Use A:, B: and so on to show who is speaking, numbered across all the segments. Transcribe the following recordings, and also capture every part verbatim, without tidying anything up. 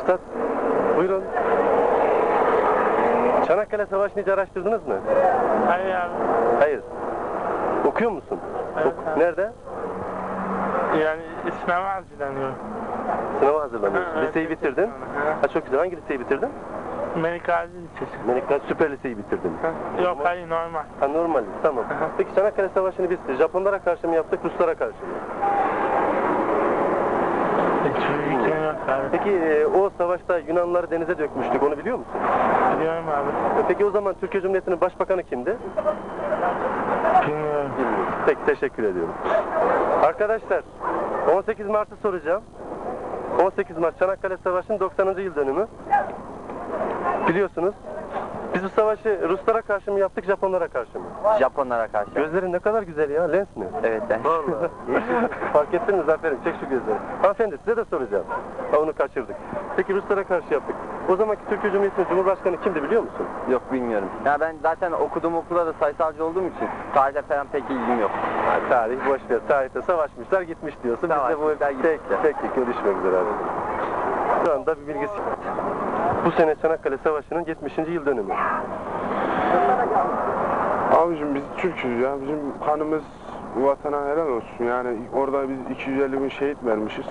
A: Üstad, buyurun. Çanakkale Savaşı'nı hiç araştırdınız mı?
B: Hayır abi.
A: Hayır. Okuyor musun?
B: Evet,
A: Ok
B: abi.
A: Nerede?
B: Yani sınava hazırlanıyorum.
A: Sınava hazırlanıyorsun.
B: Ha, evet,
A: Liseyi bitirdin.
B: Ha.
A: Ha, çok güzel. Hangi liseyi bitirdin?
B: Melik Gazi Lisesi.
A: Melik Gazi Süper Liseyi bitirdin.
B: Ha. Yok hayır normal.
A: Ha, normal. Tamam.
B: Aha.
A: Peki Çanakkale Savaşı'nı biz Japonlara karşı mı yaptık, Ruslara karşı mı?
B: Hiçbir fikrim yok abi.
A: Peki e, o savaşta Yunanlıları denize dökmüştük. Onu biliyor musun?
B: Biliyorum abi.
A: E, Peki o zaman Türkiye Cumhuriyeti'nin başbakanı kimdi?
B: Bilmiyorum.
A: Bilmiyorum. Peki teşekkür ediyorum. Arkadaşlar on sekiz Mart'ı soracağım. on sekiz Mart Çanakkale Savaşı'nın doksanıncı yıl dönümü. Biliyorsunuz. Biz bu savaşı Ruslara karşı mı yaptık, Japonlara karşı mı?
C: Japonlara karşı.
A: Gözlerin ne kadar güzel ya, lens mi?
C: Evet ben.
A: Vallahi. Fark ettin mi Zafer'im? Çek şu gözleri. Hanımefendi size de soracağım. Ha, onu kaçırdık. Peki Ruslara karşı yaptık. O zamanki Türkiye Cumhuriyeti'nin Cumhurbaşkanı kimdi biliyor musun?
C: Yok bilmiyorum. Ya ben zaten okuduğum okulda da sayısalcı olduğum için tarihle falan pek ilgim yok.
A: Ha, tarih boş ver. Tarihte savaşmışlar gitmiş diyorsun. Biz de bu
C: Savaşmışlar,
A: tek
C: gitmişler.
A: tek tek görüşmek üzere abi. Şu anda bir bilgisi. Bu sene Çanakkale Savaşı'nın yetmişinci yıl dönümü.
D: Abicim biz Türk'üz ya. Bizim kanımız vatana helal olsun. Yani orada biz iki yüz elli bin şehit vermişiz.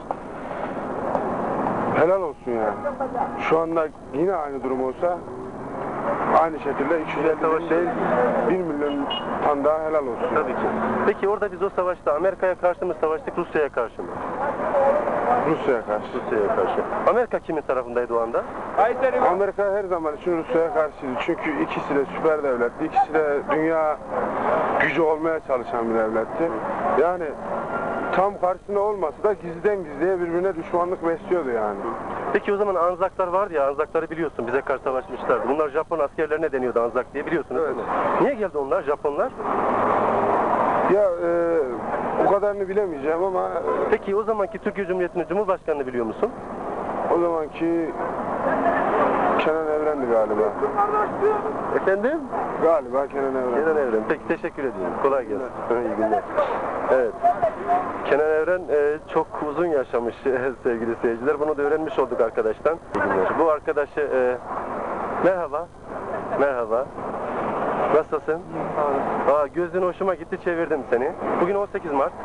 D: Helal olsun yani. Şu anda yine aynı durum olsa aynı şekilde iki yüz elli bin değil bir milyon tane daha helal olsun.
A: Tabii ki. Peki orada biz o savaşta Amerika'ya karşı mı savaştık, Rusya'ya karşı mı?
D: Rusya'ya karşı.
A: Rusya'ya karşı. Amerika kimin tarafındaydı o anda?
D: Amerika her zaman için Rusya'ya karşıydı. Çünkü ikisi de süper devletti. İkisi de dünya gücü olmaya çalışan bir devletti. Yani tam karşısında olmasa da gizliden gizliye birbirine düşmanlık besliyordu yani.
A: Peki o zaman Anzaklar vardı ya, Anzakları biliyorsun, bize karşı savaşmışlardı. Bunlar Japon askerlerine deniyordu Anzak diye, biliyorsunuz
D: Evet.
A: değil mi? Niye geldi onlar, Japonlar?
D: Ya e, o kadarını bilemeyeceğim ama
A: Peki o zamanki Türkiye Cumhuriyeti'nin Cumhurbaşkanını biliyor musun?
D: o zamanki Kenan Evren'di galiba.
A: Efendim?
D: Galiba Kenan Evren.
A: Kenan Evren. Peki teşekkür ediyorum. Kolay gelsin. İyi günler. Evet. Kenan Evren e, çok uzun yaşamış sevgili seyirciler. Bunu da öğrenmiş olduk arkadaştan. İyi günler. Bu arkadaşı e, merhaba. Merhaba. Nasılsın? Aa, gözün hoşuma gitti, çevirdim seni. Bugün on sekiz Mart.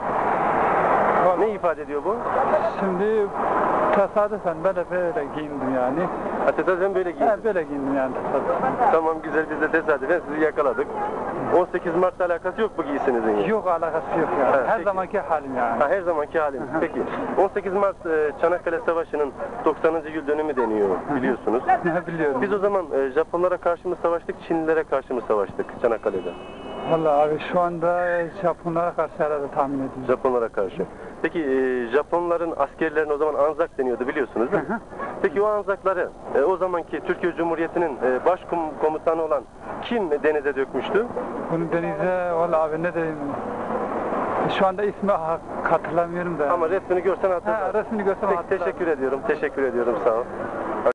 A: Ne ifade ediyor bu?
E: Şimdi tesadüfen ben de böyle giyindim yani.
A: Ha, tesadüfen böyle giydin.
E: He, böyle giyindim yani tesadüfen.
A: Tamam güzel, biz de tesadüfen sizi yakaladık. on sekiz Mart'la alakası yok bu giysinizin ya.
E: Yok alakası yok yani.
A: Ha,
E: Her
A: peki.
E: zamanki halim yani.
A: Ha, her zamanki halim. Peki on sekiz Mart e, Çanakkale Savaşı'nın doksanıncı yıl dönümü deniyor biliyorsunuz.
E: Ne biliyorum.
A: Biz o zaman e, Japonlara karşı mı savaştık, Çinlilere karşı mı savaştık Çanakkale'de?
E: Vallahi abi şu anda Japonlara karşı herhalde tahmin ediyorum.
A: Japonlara karşı. Peki e, Japonların askerlerine o zaman Anzak deniyordu biliyorsunuz değil mi? Peki o Anzakları e, o zamanki Türkiye Cumhuriyeti'nin e, başkomutanı olan kim denize dökmüştü?
E: Bunu denize vallahi abi ne diyeyim. Şu anda ismi ha- hatırlamıyorum da.
A: Ama resmini görsen hatırlarsın.
E: Ha, resmini görsem
A: Peki
E: hatırlarım.
A: teşekkür ediyorum, teşekkür ediyorum, sağ ol.